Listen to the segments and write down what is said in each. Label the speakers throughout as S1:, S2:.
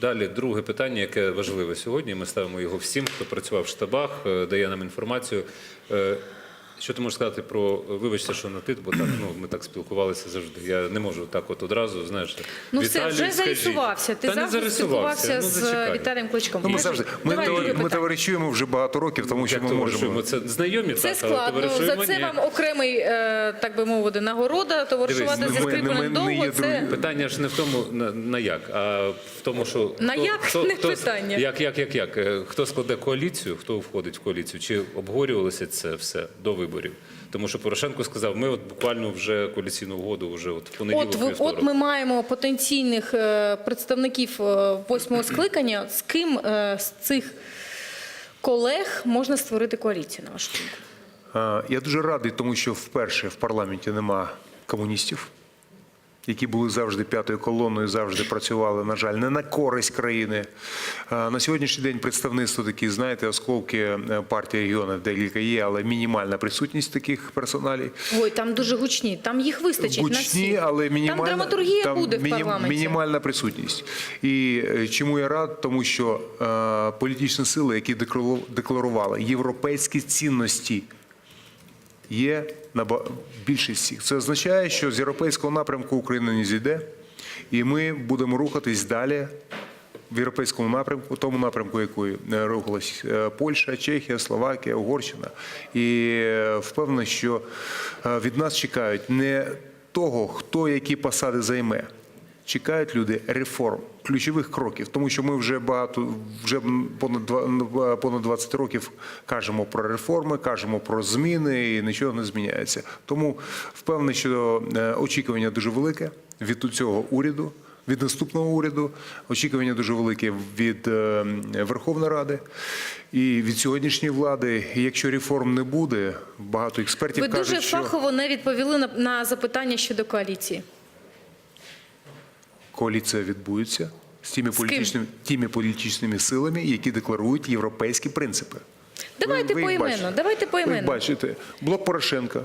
S1: Далі друге питання, яке важливе сьогодні. Ми ставимо його всім, хто працював в штабах, дає нам інформацію. Що ти можеш сказати про, вибачте, що на ти, бо так, ми так спілкувалися завжди. Я не можу так от одразу, знаєш.
S2: Ну все, вже зарисувався. Ти завжди спілкувався з Віталієм Кличком.
S3: Ми товаришуємо вже багато років, тому що ми можемо.
S1: Це знайомі,
S2: це складно. За це вам окремий, так би мовити, нагорода. Товаришувати зі Скрипалем довго.
S1: Питання ж не в тому, на як, а в тому, що...
S2: На як? Не питання.
S1: Як? Хто складе коаліцію, хто входить в коаліцію? Чи обговорювалося це все до виборів? Тому що Порошенко сказав, ми от буквально вже коаліційну угоду вже от в понеділок.
S2: От ми маємо потенційних представників 8-го скликання. З ким з цих колег можна створити коаліцію, на вашу думку?
S3: Я дуже радий, тому що вперше в парламенті нема комуністів, які були завжди п'ятою колоною, завжди працювали, на жаль, не на користь країни. На сьогоднішній день представництво такі, знаєте, осколки партії регіонів декілька є, але мінімальна присутність таких персоналів.
S2: Ой, там дуже гучні, там їх вистачить на всіх.
S3: Гучні, але мінімальна,
S2: там драматургія буде в парламенті.
S3: Мінімальна присутність. І чому я рад? Тому що політичні сили, які декларували європейські цінності, є на більшість всіх. Це означає, що з європейського напрямку Україна не зійде, і ми будемо рухатись далі в європейському напрямку, тому напрямку, якою рухалась Польща, Чехія, Словакія, Угорщина. І впевнений, що від нас чекають не того, хто які посади займе. Чекають люди реформ, ключових кроків, тому що ми вже понад 20 років кажемо про реформи, кажемо про зміни і нічого не зміняється. Тому впевнений, що очікування дуже велике від цього уряду, від наступного уряду, очікування дуже велике від Верховної Ради і від сьогоднішньої влади. І якщо реформ не буде, багато експертів кажуть, що...
S2: Ви дуже фахово не відповіли на запитання щодо коаліції.
S3: Коаліція відбудеться з тими політичними силами, які декларують європейські принципи.
S2: Давайте поіменно.
S3: Ви бачите, блок Порошенка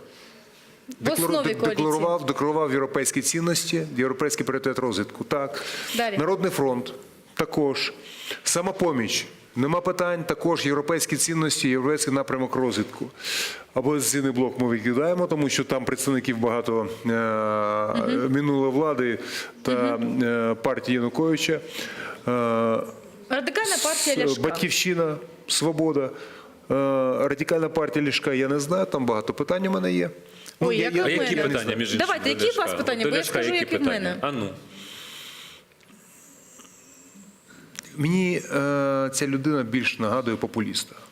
S3: декларував європейські цінності, європейський пріоритет розвитку. Так.
S2: Далі.
S3: Народний фронт також. Самопоміч. Нема питань, також європейські цінності, європейський напрямок розвитку. Опозиційний блок ми викидаємо, тому що там представників багато минулої влади та партії Януковича.
S2: Радикальна партія Ляшка.
S3: Батьківщина, Свобода. Радикальна партія Ляшка, я не знаю, там багато питань у мене є.
S2: Ой, як у мене.
S1: Які питання, між іншим?
S2: Давайте, які у вас питання? Бо я скажу, які в мене.
S1: А ну.
S3: Мені ця людина більш нагадує популіста.